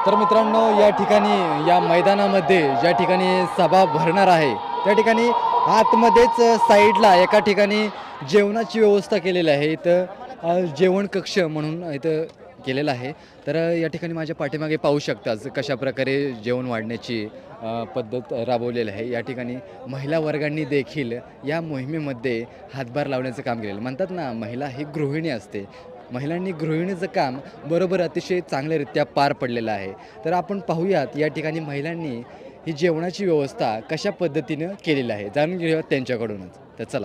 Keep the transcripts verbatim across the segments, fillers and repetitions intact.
तर मित्रांनो, या ठिकाणी या मैदानामध्ये ज्या ठिकाणी सभा भरणार आहे त्या ठिकाणी आतमध्येच साईडला एका ठिकाणी जेवणाची व्यवस्था केलेली आहे. इथं जेवण कक्ष म्हणून इथं केलेलं आहे. तर या ठिकाणी माझ्या पाठीमागे पाहू शकताच कशा प्रकारे जेवण वाढण्याची पद्धत राबवलेली आहे. या ठिकाणी महिला वर्गांनी देखील या मोहिमेमध्ये हातभार लावण्याचं काम केलेलं. म्हणतात ना, महिला ही गृहिणी असते. महिलांनी गृहिणीचं काम बरोबर अतिशय चांगल्यारीत्या पार पडलेलं आहे. तर आपण पाहूयात या ठिकाणी महिलांनी ही जेवणाची व्यवस्था कशा पद्धतीनं केलेली आहे, जाणून घेऊयात त्यांच्याकडूनच. तर चला.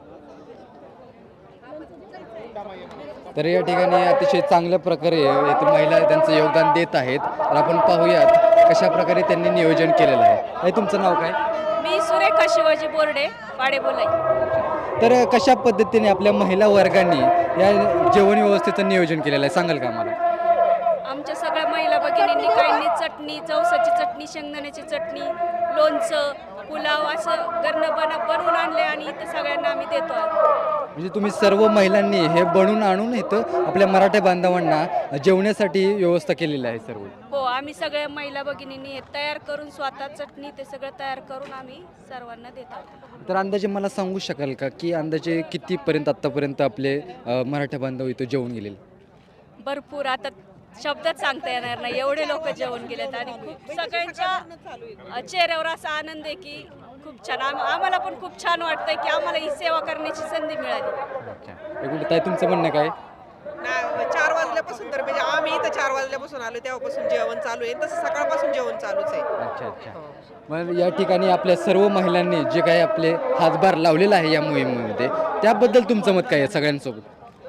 तर या ठिकाणी अतिशय चांगल्या प्रकारे येथे महिला त्यांचं योगदान देत आहेत. तर आपण पाहूयात कशा प्रकारे त्यांनी नियोजन केलेलं आहे. हे तुमचं नाव काय? मी सुरेखा शिवाजी बोर्डे पाडे बोलाई. तर कशा पद्धतीने आपल्या महिला वर्गांनी या जेवण व्यवस्थेचं नियोजन केलेलं आहे, सांगाल का आम्हाला? आमच्या सगळ्या महिला भगिनींनी काहींनी चटणी, जवसाची चटणी, शेंगदाण्याची चटणी, लोणचं, पुलाव असं घरनं बन बनवून आणले आणि इथं सगळ्यांना आम्ही देतो. म्हणजे तुम्ही सर्व महिलांनी हे बनवून आणून इथं आपल्या मराठी बांधवांना जेवण्यासाठी व्यवस्था केलेली आहे सर्व? हो, आम्ही सगळ्या महिला भगिनींनी हे तयार करून स्वतः चटणी ते सगळं तयार करून आम्ही सर्वांना देतो. तर अंदाजे मला सांगू शकाल का की अंदाजे कितीपर्यंत आत्तापर्यंत आपले मराठी बांधव इथं जेवून गेलेले? भरपूर, आता शब्दात सांगता येणार नाही, एवढे लोक जेवण गेलेत आणि खूप सगळ्यांच्या चेहऱ्यावर असा आनंद आहे की खूप छान. आम आम्हाला पण खूप छान वाटतंय की आम्हाला ही सेवा करण्याची संधी मिळाली. अच्छा, एकूण ताई तुमचं म्हणणं काय? ना चार वाजल्यापासून, तर म्हणजे आम्ही इथं चार वाजल्यापासून आलो तेव्हापासून जेवण चालू आहे, तसं सकाळपासून जेवण चालूच आहे. अच्छा अच्छा. मग या ठिकाणी आपल्या सर्व महिलांनी जे काही आपले हातभार लावलेला आहे या मोहिमेमध्ये, त्याबद्दल तुमचं मत काय आहे सगळ्यांसोबत?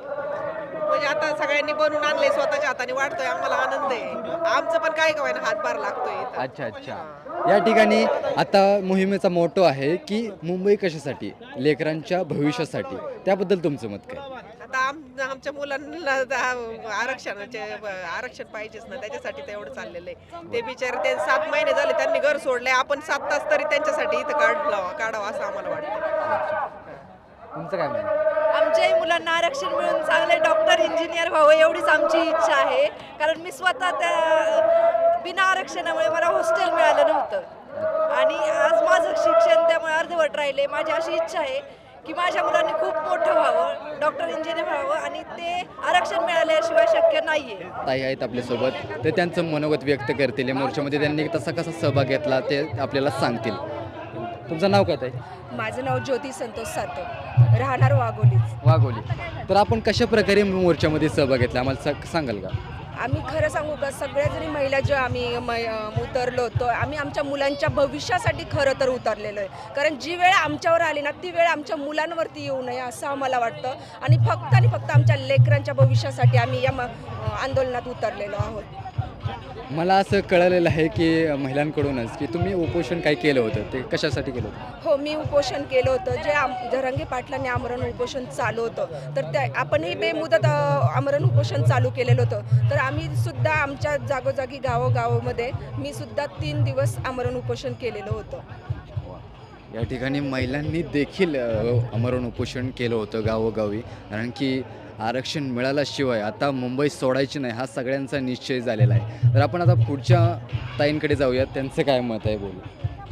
म्हणजे आता सगळ्यांनी बनवून आणले, स्वतःच्या हाताने वाटतोय, आम्हाला आनंद आहे. आमचं पण काय काय ना हातभार लागतोय इथं. अच्छा अच्छा. या ठिकाणी आता मोहिमेचा मोटो आहे की मुंबई कशासाठी, लेकरांच्या भविष्यासाठी, त्याबद्दल तुमचं मत काय? आता आम आमच्या मुलांना आरक्षणाचे आरक्षण पाहिजेच ना, त्याच्यासाठी तर एवढं चाललेलं आहे. ते बिचारे ते सात महिने झाले त्यांनी घर सोडले, आपण सात तास तरी त्यांच्यासाठी इथं काढला काढावं असं आम्हाला वाटतं. तुमचं काय म्हणणं? आमच्याही मुलांना आरक्षण मिळून चांगले डॉक्टर, इंजिनियर व्हावं एवढीच आमची इच्छा आहे. कारण मी स्वतः त्या बिना आरक्षणामुळे मला हॉस्टेल मिळालं नव्हतं आणि आज माझं शिक्षण त्यामुळे अर्धवट राहिले. माझी अशी इच्छा आहे की माझ्या मुलांनी खूप मोठं व्हावं, डॉक्टर, इंजिनियर व्हावं आणि ते आरक्षण मिळाल्याशिवाय शक्य नाही आहे. ताई आहेत आपल्यासोबत, ते त्यांचं मनोगत व्यक्त करतील. या मोर्चामध्ये त्यांनी तसा कसा सहभाग घेतला ते आपल्याला सांगतील. तुमचं नाव काय ताई? माझं नाव ज्योती संतोष सातव, राहणार वाघोलीच. वाघोली. तर आपण कशा प्रकारे मोर्चामध्ये सहभाग घेतला, आम्हाला सांगाल का? आम्ही खरं सांगू का, सगळ्या जणी महिला जो आम्ही उतरलो होतो, आम्ही आमच्या मुलांच्या भविष्यासाठी खरं तर उतरलेलो आहे. कारण जी वेळ आमच्यावर आली ना, ती वेळ आमच्या मुलांवरती येऊ नये असं आम्हाला वाटतं आणि फक्त आणि फक्त आमच्या लेकरांच्या भविष्यासाठी आम्ही या आंदोलनात उतरलेलो आहोत. मला असं कळलेलं आहे की महिलांकडूनच की तुम्ही उपोषण काय केलं होतं, ते कशासाठी केलं होतं? हो, मी उपोषण केलं होतं, जे आम जरांगे पाटलांनी आमरण उपोषण चालू होतं. तर त्या आपणही बेमुदत आमरण उपोषण चालू केलेलं होतं. तर आम्ही सुद्धा आमच्या जागोजागी गावोगावामध्ये मी सुद्धा तीन दिवस आमरण उपोषण केलेलं होतं. या ठिकाणी महिलांनी देखील आमरण उपोषण केलं होतं गावोगावी, कारण की आरक्षण मिळाल्याशिवाय आता मुंबई सोडायची नाही हा सगळ्यांचा निश्चय झालेला आहे. तर आपण आता पुढच्या ताईंकडे जाऊयात, त्यांचं काय मत आहे बोलू.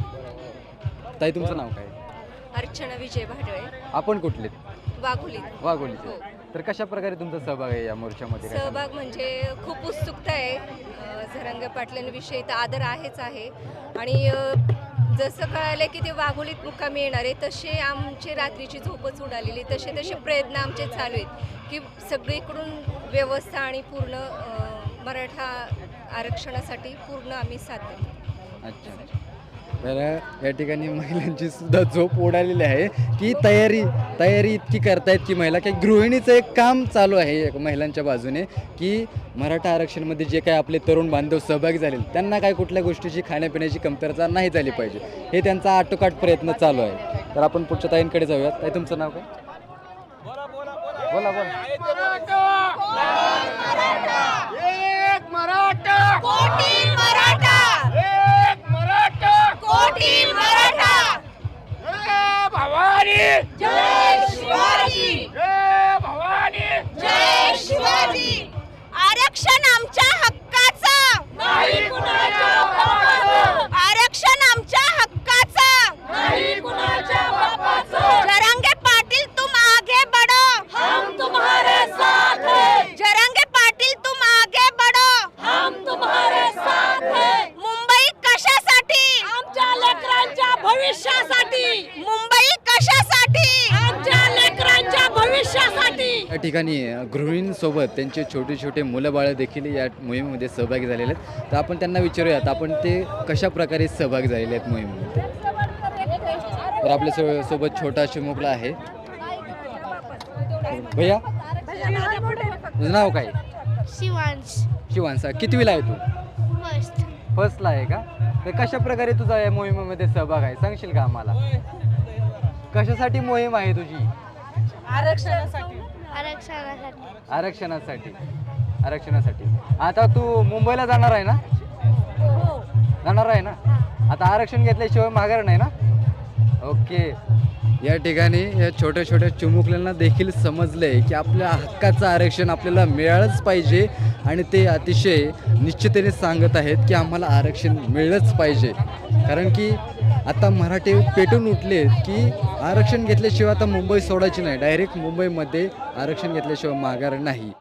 ताई तुमचं नाव काय? अर्चना विजय भाडळे. आपण कुठले? वाघोली. वाघोलीचे. तर कशा प्रकारे तुमचा सहभाग आहे या मोर्चामध्ये? काय सांगाल? सहभाग म्हणजे खूप उत्सुकता आहे. जरांगे पाटलांविषयी तर आदर आहेच आहे आणि जसं कळालं की ते वाघोलीत मुक्कामी येणार आहे, तसे आमची रात्रीची झोपच उडालेली, तसे तसे प्रयत्न आमचे चालू आहेत की सगळीकडून व्यवस्था आणि पूर्ण मराठा आरक्षणासाठी पूर्ण आम्ही साथ देतो. अच्छा. तर या ठिकाणी महिलांची सुद्धा झोप उडालेली आहे की तयारी तयारी इतकी करतायत की महिला काही गृहिणीचं एक काम चालू आहे महिलांच्या बाजूने की मराठा आरक्षणमध्ये जे काय आपले तरुण बांधव सहभागी झाले त्यांना काय कुठल्या गोष्टीची खाण्यापिण्याची कमतरता नाही झाली पाहिजे, हे त्यांचा आटोकाट प्रयत्न चालू आहे. तर आपण पुढच्या ताईंकडे जाऊयात. ताई तुमचं नाव काय? बोला बोला भवानी जय शिवाजी, जय भवानी जय शिवाजी. आरक्षण आमच्या हक्काचं नाही ठिकाणी गृहिणींसोबत त्यांचे छोटे छोटे मुलं बाळं देखील या मोहिमेमध्ये सहभागी झालेले आहेत. तर आपण त्यांना विचारूयात आपण ते कशा प्रकारे सहभागी झालेले आहेत मोहिमेमध्ये. तर आपल्या सो सोबत छोटा चिमुकला आहे. भैया तुझं नाव काय? शिवांश शिवांसा. कितवीला आहे तू? फर्स्ट फर्स्टला आहे का? तर कशा प्रकारे तुझा या मोहिमेमध्ये सहभाग आहे सांगशील का आम्हाला? कशासाठी मोहीम आहे तुझी? आरक्षणासाठी आरक्षणासाठी. आरक्षणासाठी. आता तू मुंबईला जाणार आहे ना? जाणार आहे ना? आता आरक्षण घेतल्याशिवाय माघार नाही ना? ओके. या ठिकाणी या छोट्या छोट्या चिमुकल्यांना देखील समजलंय की आपल्या हक्काचं आरक्षण आपल्याला मिळालंच पाहिजे आणि ते अतिशय निश्चिततेने सांगत आहेत की आम्हाला आरक्षण मिळलंच पाहिजे. कारण की आता मराठे पेटून उठले की आरक्षण घेतल्याशिवाय आता मुंबई सोडायची नाही, डायरेक्ट मुंबईमध्ये आरक्षण घेतल्याशिवाय माघार नाही.